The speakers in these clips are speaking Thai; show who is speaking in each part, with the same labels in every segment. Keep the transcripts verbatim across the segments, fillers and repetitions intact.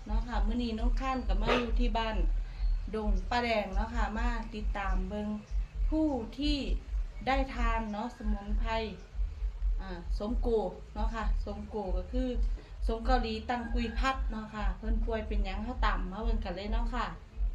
Speaker 1: เนาะค่ะมื้อนี้น้องขั้นกับมาอยู่ที่บ้านดงป้าแดงเนาะค่ะมาติดตามเบิงผู้ที่ได้ทานเนาะสมุนไพรอ่าสมโกเนาะค่ะสมโกก็คือสมเกาหลีตังกุยพัดเนาะค่ะเพิ่นป่วยเป็นหยังเขาต่ำมาเบิ่งกันเลยเนาะค่ะ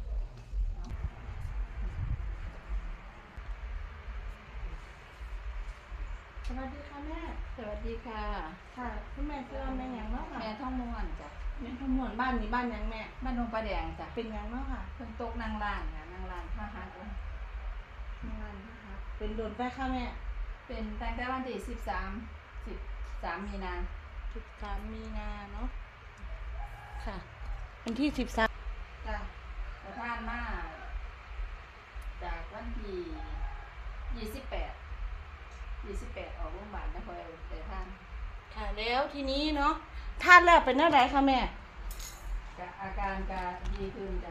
Speaker 1: สวัสดีค่ะแม่
Speaker 2: สวัสดีค่ะ
Speaker 1: ค่ะคุณแม่ชื่อว่าแม่หยังเนาะค่ะ
Speaker 2: แม่ท่องม่วนจ้ะ
Speaker 1: แม่ขมวนบ้านนี้บ้านหยังแม่
Speaker 2: บ้านดงประแดงจ้ะ
Speaker 1: เป็นหยังเนาะค่ะ
Speaker 2: เพิ่นตกนางลานค่ะนางลานท่าฮักเลย
Speaker 1: งานนะคะเป็นโดนไปค่ะแม่
Speaker 2: เป็นตั้งแต่วันที่สิบสามสิบสามมีนา
Speaker 1: สิบสามมีนาเนาะค่ะวันที่สิบสาม
Speaker 2: จ้ะประทานมาจากวันที่ยี่สิบแปดยี่สิบแปดออกโรงพยาบาลนะคอยแต่ท่าน
Speaker 1: ค่ะแล้วทีนี้เนาะทานแล้วเป็นอะไรคะแม่
Speaker 2: กะอาการกะดีขึ้นจ้ะ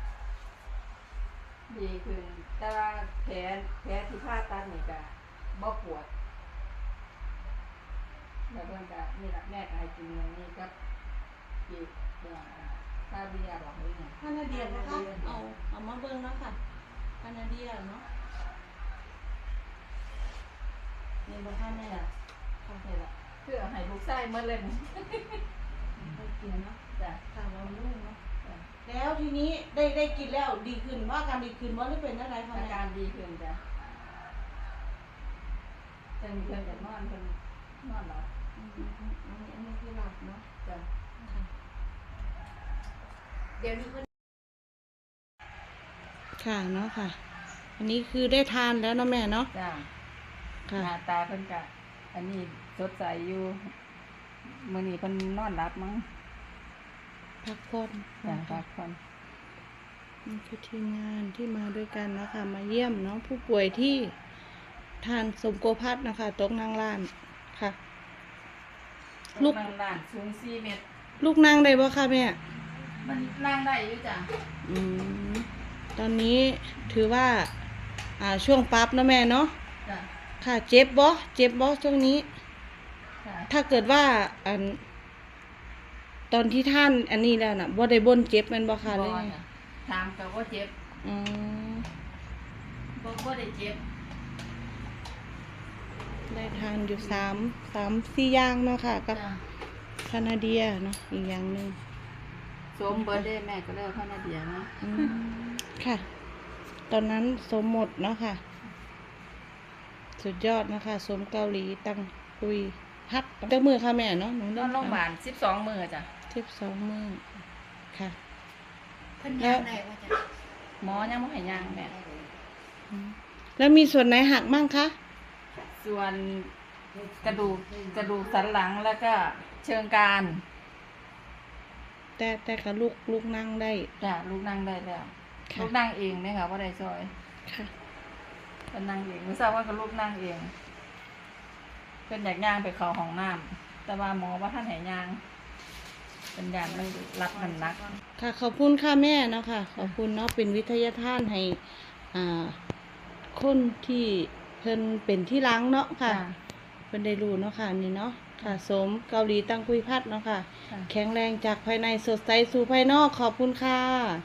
Speaker 2: ดีขึ้นแต่ว่าแผลแผลที่ผ่าตัดนี่กะบ่ปวดแล้วเพิ่นกะนี่ล่ะแม่ก็ให้กินอย่างนี้กับอีกอย่างคาเบียร์บอกเลยเนี่ย
Speaker 1: คานาเดียนะคะเอาเอามาเบิ่งเนาะค่ะคานาเดียเนาะนี่บ่ค่ะแม่ล่ะค่ะ
Speaker 2: นี่ล่ะคือเอาให้ลูกชายหมดเลยนี่
Speaker 1: ไปกินเนาะ
Speaker 2: จ้ะ
Speaker 1: ค่ะเราลูกเนาะแล้วทีนี้ได้ได้กินแล้วดีขึ้นว่าการดีขึ้นว่าหรือเป็นอะไรคะ
Speaker 2: อา
Speaker 1: แม่
Speaker 2: การดีขึ้นจ้ะจะมีเพิ่นจะนอนเพิ่นนอนหลับ
Speaker 1: อันนี้อันนี้คือหลับเนาะ
Speaker 2: จ้ะ
Speaker 1: เดี๋ยวนี้เพิ่นค่ะเนาะค่ะอันนี้คือได้ทานแล้วเนาะแม่เนาะ
Speaker 2: จ้ะ
Speaker 1: ค่ะ
Speaker 2: หน้าตาเพิ่นกะอันนี้สดใสอยู่มื้อนี้เพิ่นนอนหลับมั้ง
Speaker 1: พักผ่อน
Speaker 2: จ้ะพักผ่อน
Speaker 1: นี่คือทีมงานที่มาด้วยกันนะคะมาเยี่ยมน้องผู้ป่วยที่ทานสมโกพัดนะคะตกนางล้านค่ะ
Speaker 2: ลูกนางล้านสูงสี่เมตร
Speaker 1: ลูกนั่งได้บ่คะแม่
Speaker 2: มันนั่งได้อยู่จ้ะ
Speaker 1: อืมตอนนี้ถือว่าอ่าช่วงปั๊บนะแม่เนาะ
Speaker 2: จ้ะ
Speaker 1: ค่ะเจ็บบ่เจ็บบ่ช่วงนี้
Speaker 2: จ้ะ
Speaker 1: ถ้าเกิดว่าอันตอนที่ท่านอันนี้แล้วน่ะบ่ได้บ่นเจ็บแม่นบ่คะเลย
Speaker 2: ถามก็บ่เจ็บ
Speaker 1: อืม
Speaker 2: บ่บ่ได้เจ็บ
Speaker 1: ได้ทานอยู่สามสามสี่อย่างเนาะค่ะกับคานาเดียเนาะอีกอย่างหนึ่ง
Speaker 2: สมเบิร์ดเดย์แม่ก็เลิกคานาเดียเนาะ
Speaker 1: ค่ะตอนนั้นสมหมดเนาะค่ะสุดยอดนะคะสมเกาหลีตังคุยพัดเจ้ามือค่ะแม่เนาะหนู
Speaker 2: นอนโรงพยาบาลสิบสองมื้อจ้ะ
Speaker 1: สิบสองมื้อค่ะ
Speaker 2: เพิ่นย่างได้ว่าจ้ะหมอยังบ่ให้ย่างแม่
Speaker 1: แล้วมีส่วนไหนหักมั่งคะ
Speaker 2: ส่วนกระดูกกระดูกสันหลังแล้วก็เชิงกราน
Speaker 1: แต่แต่กับลูกลูกนั่งได้
Speaker 2: จ้ะลูกนั่งได้แล้วลูกนั่งเองเนี่ยค่ะว่าได้ซอย
Speaker 1: ค่ะ
Speaker 2: เป็นนั่งเองไม่ทราบว่ากับลูกนั่งเองเป็นอยากย่างไปเข้าห้องน้ำแต่ว่าหมอว่าท่านให้ย่างเป็นอย่างมันรับมันนัก
Speaker 1: ค่ะขอบคุณค่ะแม่เนาะค่ะขอบคุณเนาะเป็นวิทยาทานให้อ่าคนที่เพิ่นเป็นที่ล้างเนาะค่ะเพิ่นได้รู้เนาะค่ะนี่เนาะค่ะสมเกาหลีตังกุยพัดเนาะค่ะแข็งแรงจากภายในสดใสสู่ภายนอกขอบคุณค่ะ